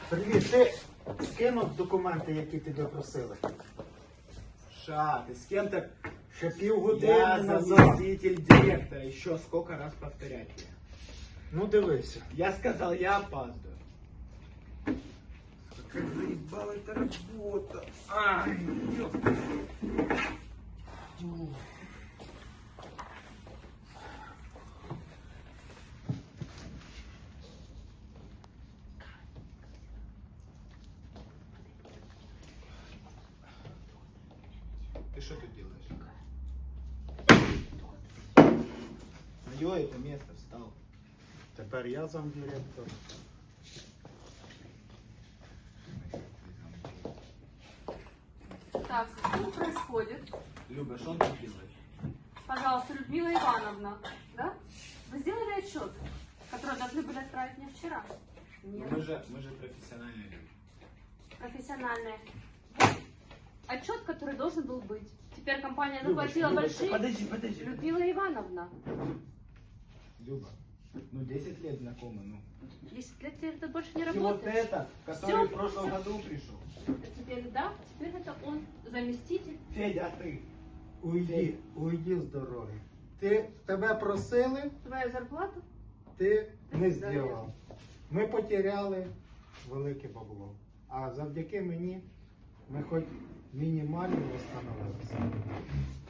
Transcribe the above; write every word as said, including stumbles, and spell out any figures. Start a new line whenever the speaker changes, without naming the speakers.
Привіт, ти скинув документи, які тебе просили?
Ша, ты с кем-то...
Ще півгодини
Я
назад.
заместитель директора. Еще сколько раз повторять тебе?
Ну дивися.
Я сказал, я опаздываю. Какая заебала эта работа. Ай, ёпта. Ты что тут делаешь? Мое это место встал.
Тепер я замдиректор.
Так, что происходит?
Люба, что он тут делает?
Пожалуйста, Людмила Ивановна, да? Вы сделали отчет, который должны были отправить мне вчера? Нет.
Мы же, мы же профессиональные люди.
Профессиональная. Отчет, который должен был быть. Теперь компания
Люба,
заплатила
Люба,
большие...
Подожди, подожди.
Людмила Ивановна,
Люба, ну десять лет знакомы, ну.
десять лет теперь ты больше не
И вот
работаешь.
это, который
Всё,
в прошлом
всё.
году пришел.
А теперь, да, теперь это он, заместитель.
Федя, а ты?
Уйди, уйди з дороги. Ти, тебе просили,
Твоя зарплата?
ти не
Ти
зробив. Ми потеряли велике бабло. А завдяки мені ми хоч мінімально встановилися.